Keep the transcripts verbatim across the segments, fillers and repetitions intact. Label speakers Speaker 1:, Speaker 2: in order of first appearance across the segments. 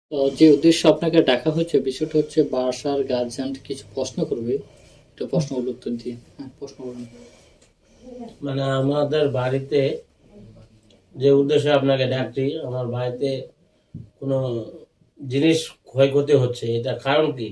Speaker 1: তো যে উদ্দেশ্যে আপনাকে ডাকা হচ্ছে বিষয়টা হচ্ছে বাসার গার্জিয়ান কিছু প্রশ্ন করবে, একটু প্রশ্নগুলো উত্তর দিয়ে। হ্যাঁ, প্রশ্ন করুন।
Speaker 2: মানে আমাদের বাড়িতে যে উদ্দেশ্যে আপনাকে ডাকছি, আমার বাড়িতে কোনো জিনিস ক্ষয়ক্ষতি হচ্ছে, এটা কারণ কি?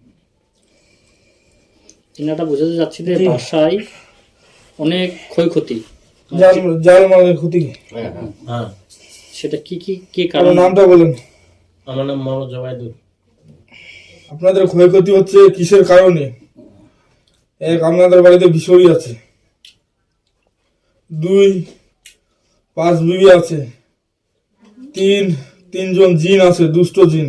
Speaker 1: চিন্তাটা বোঝাতে চাচ্ছি যে বাসায় অনেক ক্ষয়ক্ষতি,
Speaker 3: জাল জাল মালের ক্ষতি।
Speaker 2: হ্যাঁ,
Speaker 1: সেটা কি কি কি
Speaker 3: কারণ
Speaker 1: কারণ?
Speaker 3: নামটা বলেন।
Speaker 2: আমার নাম মোহাম্মদ জবাইদুল।
Speaker 3: আপনাদের ক্ষয়ক্ষতি হচ্ছে কিসের কারণে? এক, আপনাদের বাড়িতে বিষয় আছে। দুই, পাঁচ বিবি আছে। তিন, তিনজন জিন আছে, দুষ্ট জিন,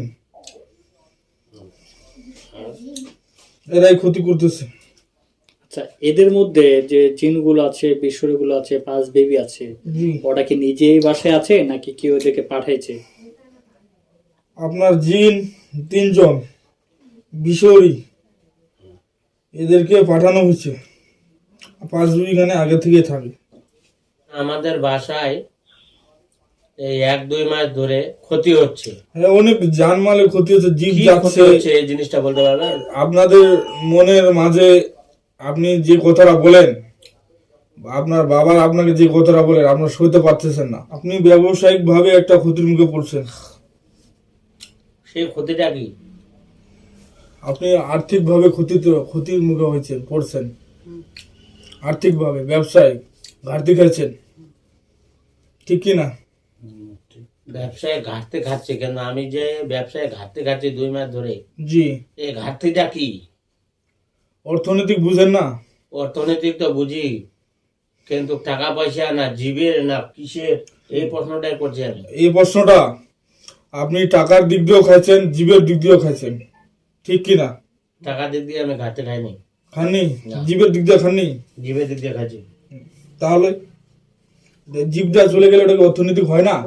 Speaker 3: এরাই ক্ষতি করতেছে।
Speaker 1: আচ্ছা, এদের মধ্যে যে জিনগুলো আছে, বিশ্বরগুলো আছে, পাঁচ বেবি আছে,
Speaker 3: জি,
Speaker 1: ওটা কি নিজেই বাসায় আছে নাকি কেউ ওদেরকে পাঠাইছে?
Speaker 3: আপনার জিন তিনজন, বিষয়ী, এদেরকে পাঠানো হয়েছে। পাঁচ বিবি খানে আগে থেকে থাকে।
Speaker 2: আমাদের বাসায় এই এক দুই মাস ধরে ক্ষতি হচ্ছে।
Speaker 3: হ্যাঁ, অনেক জানমালের ক্ষতি হচ্ছে, জীব
Speaker 2: কি ক্ষতি
Speaker 3: যাচ্ছে।
Speaker 2: হচ্ছে এই জিনিসটা বলতে পারবেন?
Speaker 3: আপনাদের মনের মাঝে আপনি যে কথাটা বলেন, আপনার বাবা আপনাকে যে কথাটা বলেন, আপনার সইতে পারতেছেন না। আপনি ব্যবসায়িক ভাবে একটা ক্ষতির মুখে পড়ছেন।
Speaker 2: সেই ক্ষতিটা কি?
Speaker 3: আপনি আর্থিক ভাবে ক্ষতিতে ক্ষতির মুখে হয়েছেন, পড়ছেন। আর্থিক ভাবে ব্যবসায় ঘাটতি খাচ্ছেন, ঠিক কি না?
Speaker 2: ব্যবসায় ঘাটতি খাচ্ছে কেন? আমি যে ব্যবসায় ঘাটতি খাচ্ছি দুই মাস ধরে,
Speaker 3: জি,
Speaker 2: এই ঘাটতিটা কি?
Speaker 3: অর্থনৈতিক বুঝেন না?
Speaker 2: অর্থনৈতিক তো বুঝি, কিন্তু টাকা পয়সা না জীবের না কিসের, এই প্রশ্নটাই করছি আমি।
Speaker 3: এই প্রশ্নটা আপনি টাকার দিক দিয়েও খাইছেন, জীবের দিক দিয়েও খাইছেন, ঠিক কি না?
Speaker 2: টাকা দিক দিয়ে আমি ঘাটতি খাইনি,
Speaker 3: খাননি?
Speaker 2: না।
Speaker 3: জীবের দিক দিয়ে খাননি?
Speaker 2: জীবের দিক দিয়ে খাচ্ছি।
Speaker 3: তাহলে জীবটা চলে গেলে ওটাকে অর্থনৈতিক হয় না?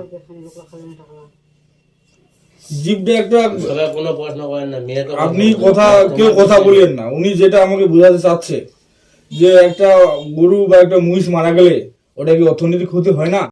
Speaker 3: জীবটা একটা,
Speaker 2: সবাই কোনো প্রশ্ন করেন না, মেয়ে তো
Speaker 3: আপনি কথা কেউ কথা বলেন না। উনি যেটা আমাকে বোঝাতে চাচ্ছে যে একটা গরু বা একটা মহিষ মারা গেলে ওটা কি অর্থনৈতিক ক্ষতি হয় না?